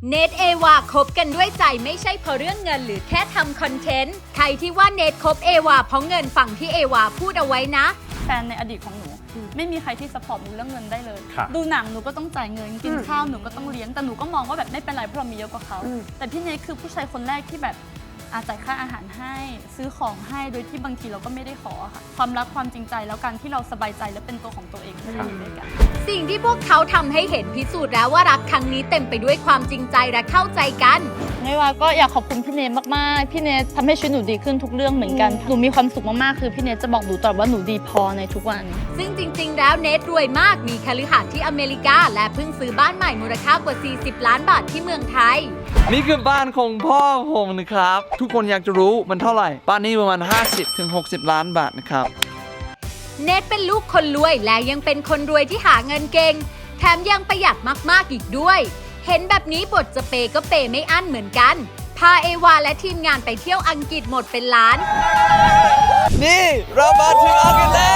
เนทเอวาคบกันด้วยใจไม่ใช่เพราะเรื่องเงินหรือแค่ทำคอนเทนต์ใครที่ว่าเนทคบเอวาเพราะเงินฝั่งที่เอวาพูดเอาไว้นะแฟนในอดีตของหนูไม่มีใครที่ซัพพอร์ตหนูเรื่องเงินได้เลยครับดูหนังหนูก็ต้องจ่ายเงินกินข้าวหนูก็ต้องเลี้ยงแต่หนูก็มองว่าแบบไม่เป็นไรเพราะเรามีเยอะกว่าเขาแต่พี่เนทคือผู้ชายคนแรกที่แบบจ่ายค่าอาหารให้ซื้อของให้โดยที่บางทีเราก็ไม่ได้ขอค่ะความรักความจริงใจแล้วการที่เราสบายใจและเป็นตัวของตัวเองที่อยู่ด้วยกันสิ่งที่พวกเขาทำให้เห็นพิสูจน์แล้วว่ารักครั้งนี้เต็มไปด้วยความจริงใจและเข้าใจกันไม่ว่าก็อยากขอบคุณพี่เนทมากๆพี่เนททำให้ชีวิตหนูดีขึ้นทุกเรื่องเหมือนกันหนูมีความสุขมากๆคือพี่เนทจะบอกหนูตลอดว่าหนูดีพอในทุกวันซึ่งจริงๆแล้วเนทรวยมากมีคฤหาสน์ที่อเมริกาและเพิ่งซื้อบ้านใหม่มูลค่ากว่า40 ล้านบาทที่เมืองไทยนี่คือบ้านของพ่อผมนะครับทุกคนอยากจะรู้มันเท่าไหร่บ้านนี้ประมาณ50-60 ล้านบาทนะครับเนทเป็นลูกคนรวยและยังเป็นคนรวยที่หาเงินเก่งแถมยังประหยัดมากๆอีกด้วยเห็นแบบนี้บทจะเปย์ก็เปย์ไม่อั้นเหมือนกันพาเอวาและทีมงานไปเที่ยวอังกฤษหมดเป็นล้านนี่เรามาถึงอังกฤษแล้ว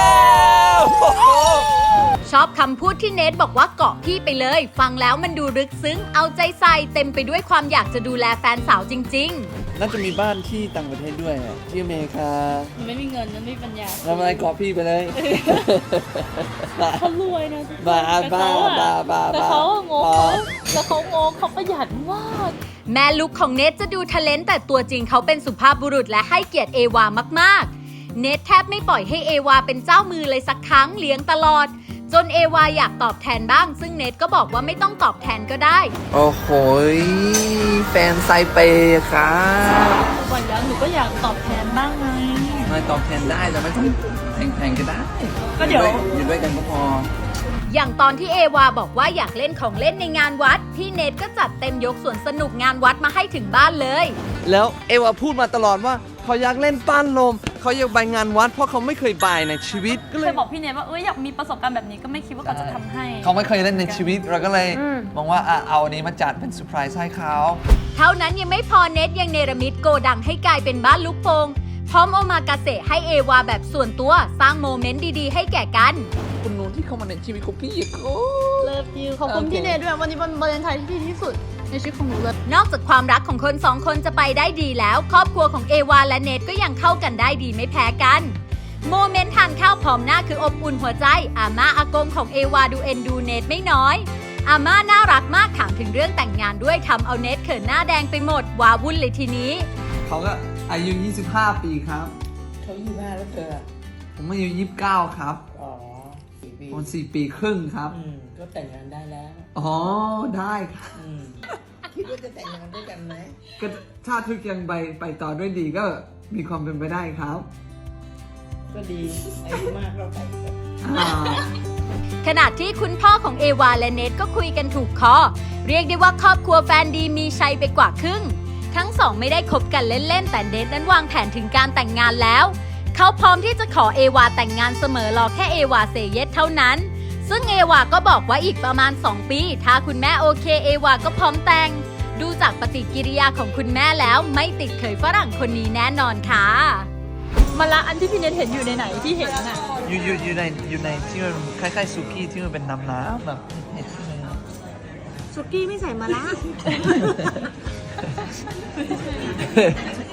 ชอบคำพูดที่เนทบอกว่าเกาะพี่ไปเลยฟังแล้วมันดูลึกซึ้งเอาใจใส่เต็มไปด้วยความอยากจะดูแลแฟนสาวจริงน่าจะมีบ้านที่ต่างประเทศด้วยที่อเมริกาไม่มีเงินไม่มีปัญญาทำอะไรเกาะพี่ไปเลยเขารวยนะบ้าแต่เขางงเขาประหยัดมากแม่ลูกของเนทจะดูทะเลนต์แต่ตัวจริงเขาเป็นสุภาพบุรุษและให้เกียรติเอวามากๆเนทแทบไม่ปล่อยให้เอวาเป็นเจ้ามือเลยสักครั้งเลี้ยงตลอดจนเอวาอยากตอบแทนบ้างซึ่งเนทก็บอกว่าไม่ต้องตอบแทนก็ได้โอ้โหแฟนไซเปย์ครับวันแล้วหนูก็อยากตอบแทนบ้างไงไม่ตอบแทนได้แต่ไม่ต้องแพงๆก็ได้ก็เดี๋ยวอยู่ด้วยกันก็พออย่างตอนที่เอวาบอกว่าอยากเล่นของเล่นในงานวัดพี่เนทก็จัดเต็มยกสวนสนุกงานวัดมาให้ถึงบ้านเลยแล้วเอวาพูดมาตลอดว่าเขาอยากเล่นปั้นลมเขาอยากไปงานวัดเพราะเขาไม่เคยไปในชีวิตก็เลยบอกพี่เนทว่าอยากมีประสบการณ์แบบนี้ก็ไม่คิดว่าเขาจะทำให้เขาไม่เคยเล่นในชีวิตเราก็เลยมองว่าเอาอันนี้มาจัดเป็นเซอร์ไพรส์ให้เขาเท่านั้นยังไม่พอเนทยังเนรมิตโกดังให้กลายเป็นบ้านลูกโป่งพร้อมโอมากาเสะให้เอวาแบบส่วนตัวสร้างโมเมนต์ดีๆให้แก่กันคุณนู้นที่เข้ามาในชีวิตของพี่อีกเลิฟยูขอบคุณพี่เนทด้วยวันนี้เป็นวาเลนไทน์ที่ดีที่สุดในชีวิตของหนูเลยนอกจากความรักของคนสองคนจะไปได้ดีแล้วครอบครัวของเอวาและเนทก็ยังเข้ากันได้ดีไม่แพ้กันโมเมนต์ทานข้าวพร้อมหน้าคืออบอุ่นหัวใจอาม่าอากงของเอวาดูเอ็นดูเนทไม่น้อยอาม่าน่ารักมากถามถึงเรื่องแต่งงานด้วยทำเอาเนทเขินหน้าแดงไปหมดว้าวุ่นเลยทีนี้เขาก็อายุ25 ปีครับเขา25แล้วเธอผมอายุ29ครับอ๋อ4 ปีผม4 ปีครึ่งครับก็แต่งงานได้แล้วอ๋อได้ครับคิดว่าจะแต่งงานด้วยกันไหมก็ถ้าทุกอย่างไปต่อด้วยดีก็มีความเป็นไปได้ครับก็ดีอายุมากเราไปขณะที่คุณพ่อของเอวาและเนทก็คุยกันถูกคอเรียกได้ว่าครอบครัวแฟนดีมีชัยไปกว่าครึ่งทั้งสองไม่ได้คบกันเล่นๆแต่เนทนั้นวางแผนถึงการแต่งงานแล้วเขาพร้อมที่จะขอเอวาแต่งงานเสมอรอแค่เอวาเซเยสเท่านั้นซึ่งเอวาก็บอกว่าอีกประมาณ2 ปีถ้าคุณแม่โอเคเอวาก็พร้อมแต่งดูจากปฏิกิริยาของคุณแม่แล้วไม่ติดเขยฝรั่งคนนี้แน่นอนค่ะมาละอันที่พี่เนทเห็นอยู่ในไหนที่เห็นน่ะอยู่ในที่มันคล้ายๆซุกี้ที่มันเป็นน้ำแบบเห็ดใช่ไหมครับซุกี้ไม่ใส่มาละ